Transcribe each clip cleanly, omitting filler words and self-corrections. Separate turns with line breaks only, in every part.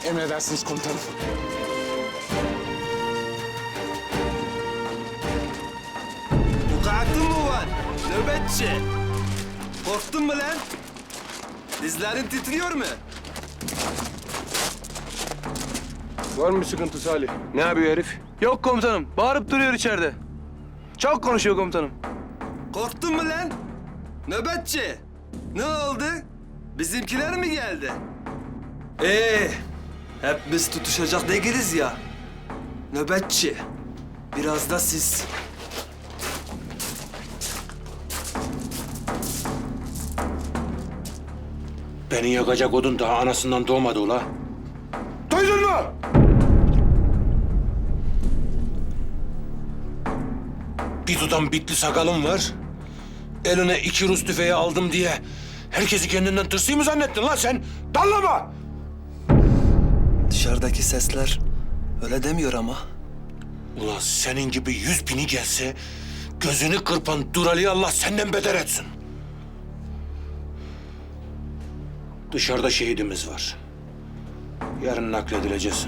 Emredersiniz komutanım.
Vukuatın mı var? Nöbetçi. Korktun mu lan? Dizlerin titriyor mu?
Var mı bir sıkıntı Salih? Ne yapıyor herif?
Yok komutanım. Bağırıp duruyor içeride. Çok konuşuyor komutanım.
Korktun mu lan? Nöbetçi. Ne oldu? Bizimkiler mi geldi? Hep biz tutuşacak değiliz ya. Nöbetçi. Biraz da siz.
Beni yakacak odun daha anasından doğmadı ula. Duydun mu? Bir tutam bitli sakalım var. Eline 2 Rus tüfeği aldım diye herkesi kendinden tırsıyı mı zannettin lan sen? Dallama!
Dışarıdaki sesler öyle demiyor ama.
Ula senin gibi 100.000'i gelse gözünü kırpan Durali'yi Allah senden beter etsin. Dışarıda şehidimiz var. Yarın nakledileceksin.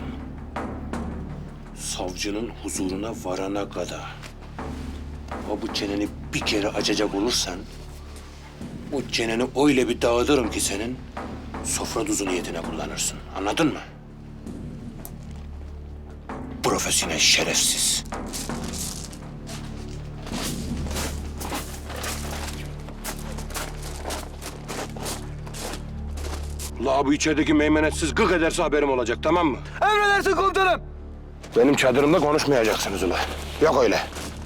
Savcının huzuruna varana kadar. Ama bu çeneni bir kere açacak olursan... ...bu çeneni öyle bir dağıtırım ki senin... ...sofra tuzu niyetine kullanırsın. Anladın mı? Profesyonel şerefsiz. La bu içerideki meymenetsiz gık ederse haberim olacak, tamam mı?
Emredersin komutanım.
Benim çadırımda konuşmayacaksınız ula. Yok öyle.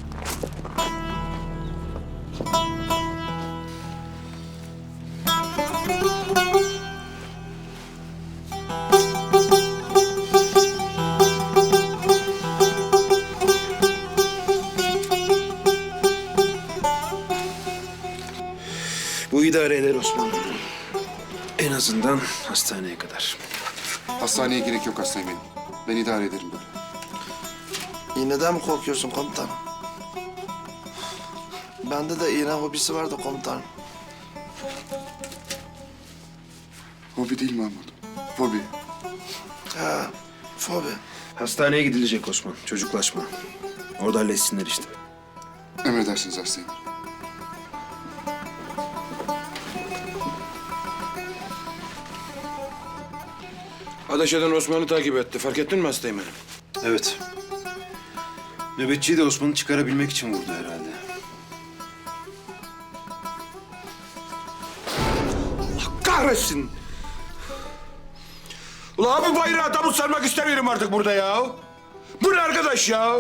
Bu idare eder Osman. En azından hastaneye kadar.
Hastaneye gerek yok hastayım benim. Ben idare ederim böyle.
İğneden mi korkuyorsun komutanım? Bende de iğne hobisi vardı komutanım.
Hobi değil Mahmut. Fobi.
Ha, fobi.
Hastaneye gidilecek Osman. Çocuklaşma. Orada halletsinler işte.
Emredersiniz hastayım.
Ateş eden Osman'ı takip etti. Fark ettin mi hastayım benim?
Evet. Nöbetçiyi de Osman'ı çıkarabilmek için vurdu herhalde.
Kahretsin! Ula abi bayrağı tabut sarmak istemiyorum artık burada ya. Bu ne arkadaş ya?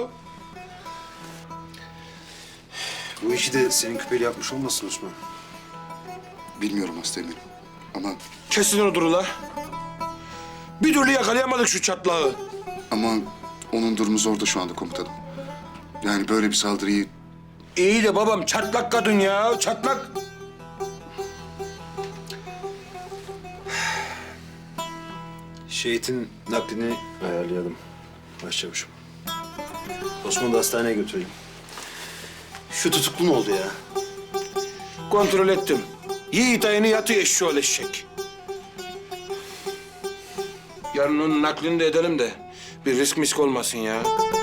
Bu işi de senin küpeli yapmış olmasın Osman?
Bilmiyorum hastayım benim. Ama
Kesin odur ula. Bir türlü yakalayamadık şu çatlağı.
onun durumu zor da şu anda komutanım. Yani böyle bir saldırıyı
İyi de babam çatlak kadın ya, çatlak.
Şehit'in naklini ayarlayalım başçavuşum. Osman'ı da hastaneye götürelim. Şu tutuklu mu oldu ya?
Kontrol ettim. Yiğit ayını yatıyor eşşoğlu eşek. Yarın onun naklini de edelim de bir risk misk olmasın ya.